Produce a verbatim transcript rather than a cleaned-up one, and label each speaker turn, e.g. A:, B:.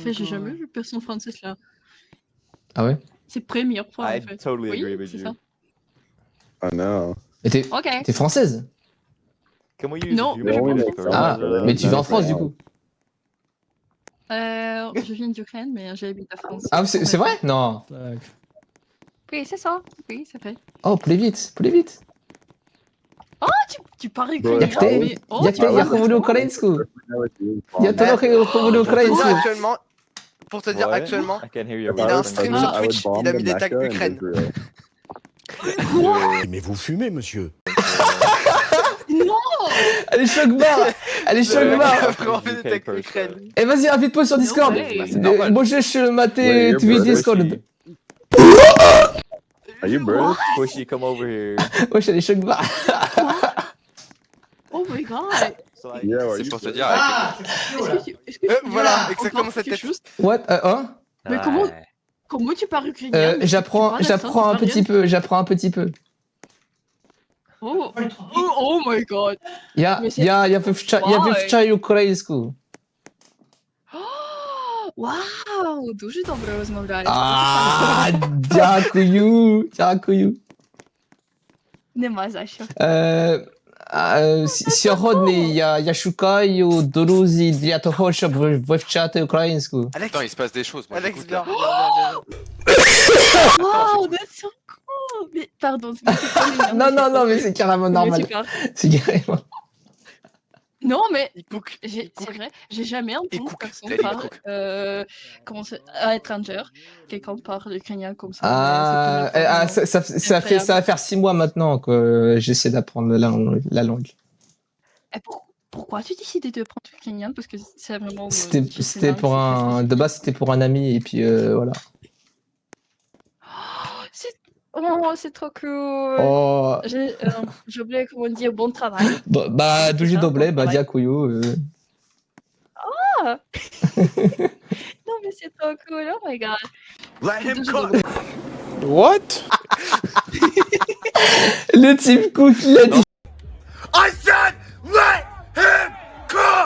A: fait, j'ai jamais vu personne française là.
B: Ah ouais?
A: C'est première fois
C: I
A: en fait.
C: totally
A: Oui,
C: agree with
A: c'est
C: you.
A: ça.
D: I know.
B: Mais t'es
A: Ok.
B: t'es française?
C: Can we use
A: Non,
C: human
A: je
D: Oui,
A: pense
D: mais
A: pas.
D: ça
B: Ah,
D: va, ça va,
B: mais tu
D: ça
B: vis
D: va,
B: en France
D: ça
B: du
D: va.
B: coup?
A: Euh, je viens d'Ukraine, mais j'habite en France.
B: Ah, c'est c'est vrai? Non.
E: Так.
A: Oui, c'est ça. Oui, c'est vrai.
B: Oh, plus vite, plus vite.
A: Tu, tu parles
D: Ouais,
A: ukrainien,
B: Jak ty?
A: mais oh,
B: Jak
A: tu
B: ty? Ja
A: parles
B: mówię
A: français.
B: ukraińsku. Ja to
D: Yeah,
B: trochę mówię
F: Pour te dire
B: ukraińsku.
F: actuellement, pour te dire
C: What?
F: actuellement,
C: I can't hear you.
D: If
F: il
D: I
F: a un
D: was
F: stream
D: president,
F: sur
D: I would
F: Twitch,
D: bomb
F: il a
D: the
F: mis des tags
D: Mecca and
F: Ukraine.
D: Israel.
G: Mais vous fumez, monsieur.
A: Non.
B: Allez, choc-barre. Allez,
F: Il a
B: choc-barre.
F: vraiment fait des
C: U K
F: tags
C: person.
F: Ukraine.
B: Eh, vas-y, invite-moi sur
A: No
B: Discord.
A: way.
F: Bah, c'est normal.
B: Możesz
D: Wait,
B: mater
D: you're
B: Twitch
D: British?
B: Discord.
D: Are you British?
C: Squishy, come over here.
B: Wesh, allez, choc-barre.
A: Oh my god.
C: So I...
D: Yeah, are
F: C'est
D: you
F: pour te
D: British?
F: dire avec
A: Est-ce que tu, est-ce que
F: Euh,
A: tu
F: voilà,
A: veux
F: exactement
A: encore
F: cette
A: quelque
F: tête.
A: chose?
B: What? Euh, hein?
A: Mais comment, comment tu parles ukrainien?
B: Euh,
A: mais tu
B: J'apprends,
A: parles
B: j'apprends
A: accent
B: un petit
A: italien?
B: peu, j'apprends un petit peu.
A: Oh, oh, oh my god.
B: Ja,
A: Mais c'est-
B: ja, ja wywcza, ja
A: Why?
B: wywczaj ukraińsku.
A: Wow, дуже добре розмовляєш.
B: А, дякую, дякую.
A: Нема за що.
B: Е, а, с- Сьогодні я, я шукаю друзі для того, щоб ви- вивчати українську.
F: Alex,
H: Attends, il se passe des choses. Moi,
F: Alex,
H: j'écoute,
F: viens,
H: là.
F: viens, viens, viens.
A: Wow, that's so cool. Mais pardon, mais c'est pas mignon,
B: Non,
A: mais
B: non,
A: c'est
B: non,
A: pas
B: mais
A: vrai.
B: c'est carrément
A: Mais
B: normal.
A: tu parles.
B: C'est carrément.
A: Non, mais
F: Il cook.
A: j'ai- c'est vrai, j'ai jamais entendu
F: cook.
A: personne
F: Elle, il
A: parler
F: cook.
A: euh, comment c'est, à étranger, quelqu'un parle ukrainien comme ça. mais
B: Ah,
A: c'est la
B: eh,
A: première
B: ah,
A: fois,
B: ça, ça, ça fait, ça va faire six mois maintenant que j'essaie d'apprendre la, la langue.
A: Et pour- pourquoi tu décidais de prendre l'ukrainien? Parce que c'est vraiment. euh,
B: C'était,
A: c'est
B: c'était
A: dingue,
B: pour
A: c'est très
B: un,
A: facile.
B: de base c'était pour un ami et puis euh, voilà.
A: C'est oh, c'est trop cool.
B: Oh,
A: J'ai euh, j'ai oublié comment dire bon travail.
B: bah, bah duży
A: ça,
B: doble,
A: bon
B: bah
A: travail.
B: dziękuję. euh.
A: Non, mais c'est trop cool, oh my god.
G: Let
A: C'est
G: him
A: дуже
G: cook.
A: добре.
E: What?
B: Le type cook, il a dit